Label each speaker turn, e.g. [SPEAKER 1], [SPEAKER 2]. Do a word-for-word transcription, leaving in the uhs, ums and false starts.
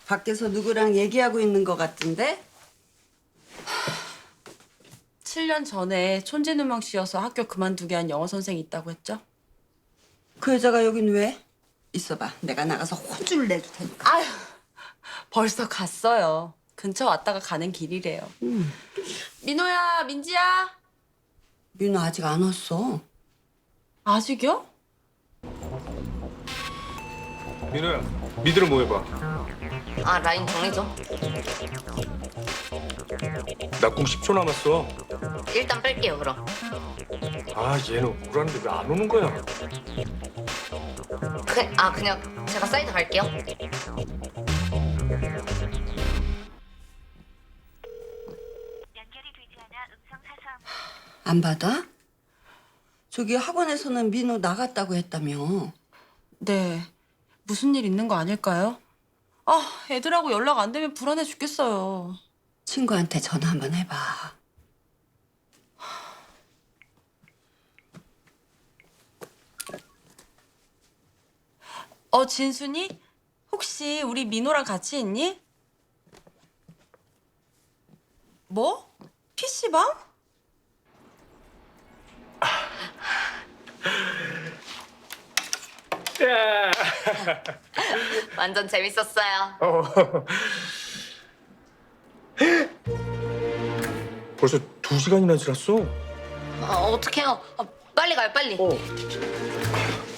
[SPEAKER 1] 밖에서 누구랑 얘기하고 있는 것 같은데?
[SPEAKER 2] 칠 년 전에 촌지누명 씨여서 학교 그만두게 한 영어 선생이 있다고 했죠?
[SPEAKER 1] 그 여자가 여긴 왜? 있어봐. 내가 나가서 혼쭐을 내줄 테니까.
[SPEAKER 2] 아휴, 벌써 갔어요. 근처 왔다가 가는 길이래요.
[SPEAKER 1] 음.
[SPEAKER 2] 민호야, 민지야.
[SPEAKER 1] 민호 아직 안 왔어.
[SPEAKER 2] 아직이요?
[SPEAKER 3] 민호야, 미드로 뭐 해봐.
[SPEAKER 4] 아, 라인 정해줘.
[SPEAKER 3] 낙궁 십 초 남았어.
[SPEAKER 4] 일단 뺄게요, 그럼.
[SPEAKER 3] 아, 얘는 오라는데 왜 안 오는 거야?
[SPEAKER 4] 그, 아, 그냥 제가 사이드 갈게요.
[SPEAKER 1] 안 받아? 저기 학원에서는 민호 나갔다고 했다며.
[SPEAKER 2] 네. 무슨 일 있는 거 아닐까요? 아, 애들하고 연락 안 되면 불안해 죽겠어요.
[SPEAKER 1] 친구한테 전화 한번 해봐.
[SPEAKER 2] 어, 진순이? 혹시 우리 민호랑 같이 있니? 뭐? 피시방?
[SPEAKER 3] 야.
[SPEAKER 4] 완전 재밌었어요.
[SPEAKER 3] 어. 벌써 두 시간이나 지났어.
[SPEAKER 4] 어, 어떡해요. 아, 빨리 가요, 빨리.
[SPEAKER 3] 어.